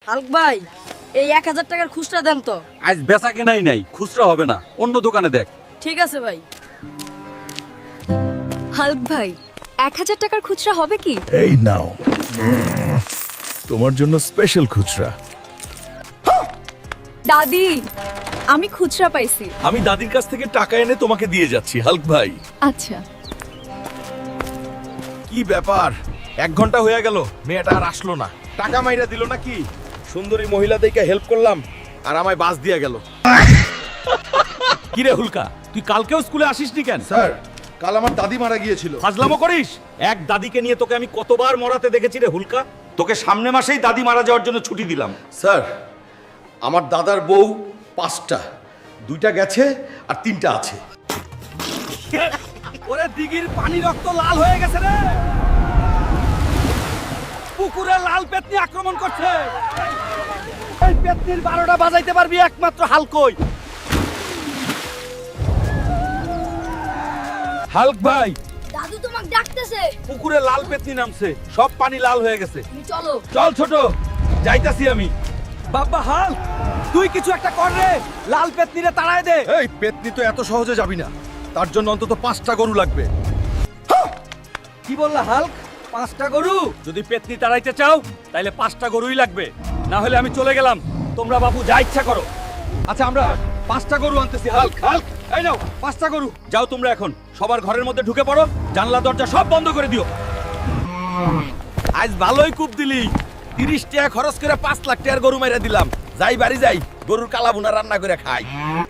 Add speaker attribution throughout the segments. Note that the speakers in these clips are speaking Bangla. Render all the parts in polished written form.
Speaker 1: হালক ভাই এই 1000 টাকার খুচরা দেন তো।
Speaker 2: আজ বেচা কেনাই নাই, খুচরা হবে না, অন্য দোকানে দেখ।
Speaker 1: ঠিক আছে ভাই।
Speaker 3: হালক ভাই 1000 টাকার খুচরা হবে কি?
Speaker 4: এই নাও তোমার জন্য স্পেশাল খুচরা।
Speaker 3: দাদি আমি খুচরা পাইছি।
Speaker 4: আমি দাদির কাছ থেকে টাকা এনে তোমাকে দিয়ে যাচ্ছি হালক ভাই।
Speaker 3: আচ্ছা
Speaker 4: কি ব্যাপার, 1 ঘন্টা হয়ে গেল মেয়েটা আর আসলো না, টাকা মাইরা দিল নাকি? সুন্দরী মহিলা দেখে হেল্প করলাম আর আমায় বাস দিয়ে গেল।
Speaker 2: কি রে হুলকা, তুই কালকেও স্কুলে আসিসনি কেন?
Speaker 4: স্যার কাল আমার দাদি মারা গিয়েছিল।
Speaker 2: ফাজলামো করিস? এক দাদিকে নিয়ে তোকে আমি কতবার মরাতে দেখেছি রে হুলকা। তোকে সামনে মাসেই দাদি মারা যাওয়ার জন্য ছুটি দিলাম।
Speaker 4: স্যার আমার দাদার বউ 5টা, 2টা গেছে আর 3টা আছে।
Speaker 2: ওরে দিঘির পানি রক্ত লাল হয়ে গেছে রে, পুকুরে লাল পেতনি আক্রমণ করছে। এই পেতনির 12টা বাজাইতে পারবি একমাত্র হালকই। হালক ভাই
Speaker 1: দাদু তোমাকে ডাকতেছে।
Speaker 2: পুকুরে লাল পেতনি নামছে, সব পানি লাল হয়ে গেছে।
Speaker 1: তুমি চলো।
Speaker 2: চল ছোট, যাইতাছি আমি। বাবা হাল, তুই কিছু একটা কর রে, লাল পেতনিরে তাড়ায় দে।
Speaker 4: এই পেতনি তো এত সহজে যাবি না, তার জন্য অন্তত 5টা গরু লাগবে।
Speaker 2: কি বললা হাল্ক? 5টা গরু? যদি পেতনি তাড়াইতে চাও তাহলে 5টা গরুই লাগবে, না হলে আমি চলে গেলাম। তোমরা বাবু যা ইচ্ছা করো। আচ্ছা আমরা 5টা গরু আনতেছি। হাল্ক হাল্ক, এই নাও 5টা গরু। যাও তোমরা এখন সবার ঘরের মধ্যে ঢুকে পড়ো, জানলা দরজা সব বন্ধ করে দিও।
Speaker 4: আজ ভালোই কূপ দিলি, 30 টাকা খরচ করে 5 লাখ টাকার গরু মাইরা দিলাম। যাই বাড়ি যাই, গরুর কালা ভুনা রান্না করে খাই।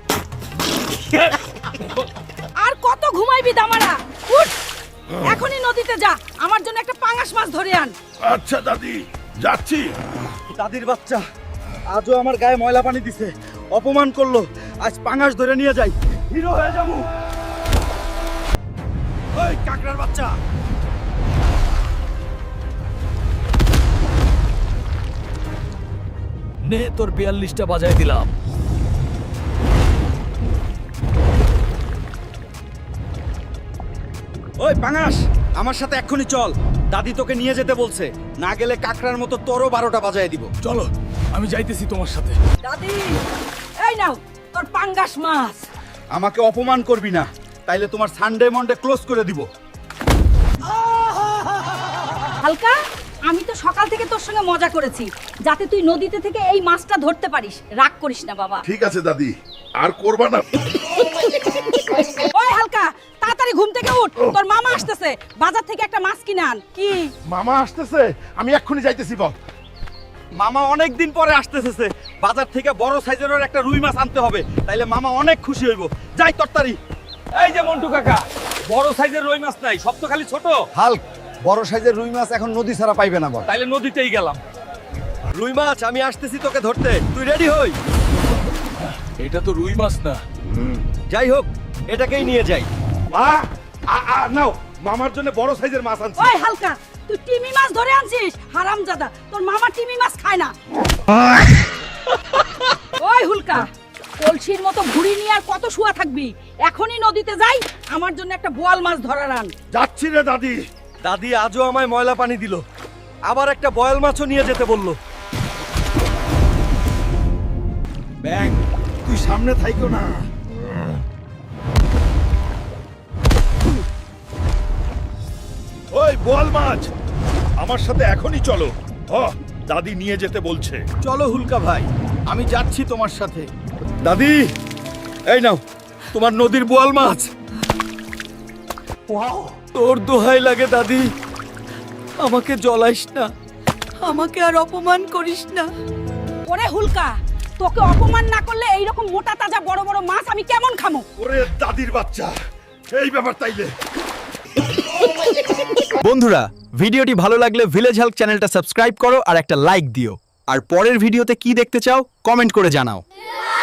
Speaker 1: আর কত ঘুমাইবি দামারা? উঠ, এখনই নদীতে যা, আমার জন্য একটা পাঙাশ মাছ ধরে আন।
Speaker 4: আচ্ছা দাদি, যাচ্ছি।
Speaker 2: দাদির বাচ্চা আজও আমার গায়ে ময়লা পানি দিছে, অপমান করলো। আজ পাঙাশ ধরে নিয়ে যাই, হিরো হয়ে যাবো। ওই কাকড়ার বাচ্চা,
Speaker 4: নে তোর 42টা বাজায় দিলাম।
Speaker 2: ওই পাঙাশ আমার সাথে এক্ষুনি চল, দাদি তোকে নিয়ে যেতে বলছে। না গেলে কাকড়ার মতো তোরও 12টা বাজায় দিব।
Speaker 4: চলো আমি যাইতেছি তোমার সাথে।
Speaker 1: দাদি এই নাও তোর পাঙ্গাস মাছ।
Speaker 2: আমাকে অপমান করবি না, তাইলে তোমার সানডে মন্ডে ক্লোজ করে দিব।
Speaker 1: হালকা, আমি তো সকাল থেকে তোর সঙ্গে মজা করেছি যাতে তুই নদীতে থেকে এই মাছটা ধরতে পারিস। রাগ করিস না বাবা।
Speaker 5: ঠিক আছে দাদি, আর করবা না।
Speaker 1: ওই হালকা, তাড়াতাড়ি ঘুম থেকে উঠ, তোর মামা আসতেছে, বাজার থেকে একটা মাছ কিনে আন। কি?
Speaker 5: মামা আসতেছে, আমি এক্ষুনি যাইতেছি। বল।
Speaker 2: মামা অনেক দিন পরে আসতেছে, বাজার থেকে বড় সাইজের একটা রুই মাছ আনতে হবে, তাইলে মামা অনেক খুশি হইব। যাই তরতারি। এই যে মন্টু কাকা, বড় সাইজের রুই মাছ নাই, সব তো খালি ছোট।
Speaker 6: হাল্ক বড় সাইজের রুই মাছ এখন নদী ছাড়া পাইবে না বল।
Speaker 2: তাইলে নদীতেই গেলাম। রুই মাছ আমি আসতেছি তোকে ধরতে, তুই রেডি হই।
Speaker 4: এটা তো রুই মাছ না।
Speaker 2: যাই হোক, এটাকেই নিয়ে যাই।
Speaker 5: নাও, মামার জন্য বড় সাইজের মাছ আনছি।
Speaker 1: ওই হালকা, তুই টিমি মাছ ধরে আনছিস? হারামজাদা, তোর মামা টিমি মাছ খায় না। ওই হুলকা, কলসির মতো ঘুড়ি নিয়ে আর কত শুয়া থাকবি? এখনই নদীতে যাই, আমার জন্য একটা বোয়াল মাছ ধরার আন।
Speaker 5: যাচ্ছি রে দাদি।
Speaker 2: দাদি আজও আমায় ময়লা পানি দিল, আবার একটা বয়াল মাছও নিয়ে যেতে বললো।
Speaker 5: ব্যাং, তুই সামনে থাইকো না। ওই বোয়াল মাছ, আমার সাথে এখনই চলো। দাদি নিয়ে যেতে বলছে।
Speaker 2: চলো হুলকা ভাই, আমি যাচ্ছি তোমার সাথে। দাদি এই নাও তোমার নদীর বোয়াল মাছ। তোর দোহাই লাগে দাদি, আমাকে জ্বলাইস না,
Speaker 3: আমাকে আর অপমান করিস না।
Speaker 1: ওরে হুলকা, তোকে অপমান না করলে এইরকম মোটা তাজা বড় বড় মাছ আমি কেমন খামো?
Speaker 5: ওরে দাদির বাচ্চা, এই ব্যাপার তাইলে।
Speaker 7: বন্ধুরা, ভিডিওটি ভালো লাগলে ভিলেজ হেল্প চ্যানেলটা সাবস্ক্রাইব করো আর একটা লাইক দিও। আর পরের ভিডিওতে কি দেখতে চাও কমেন্ট করে জানাও।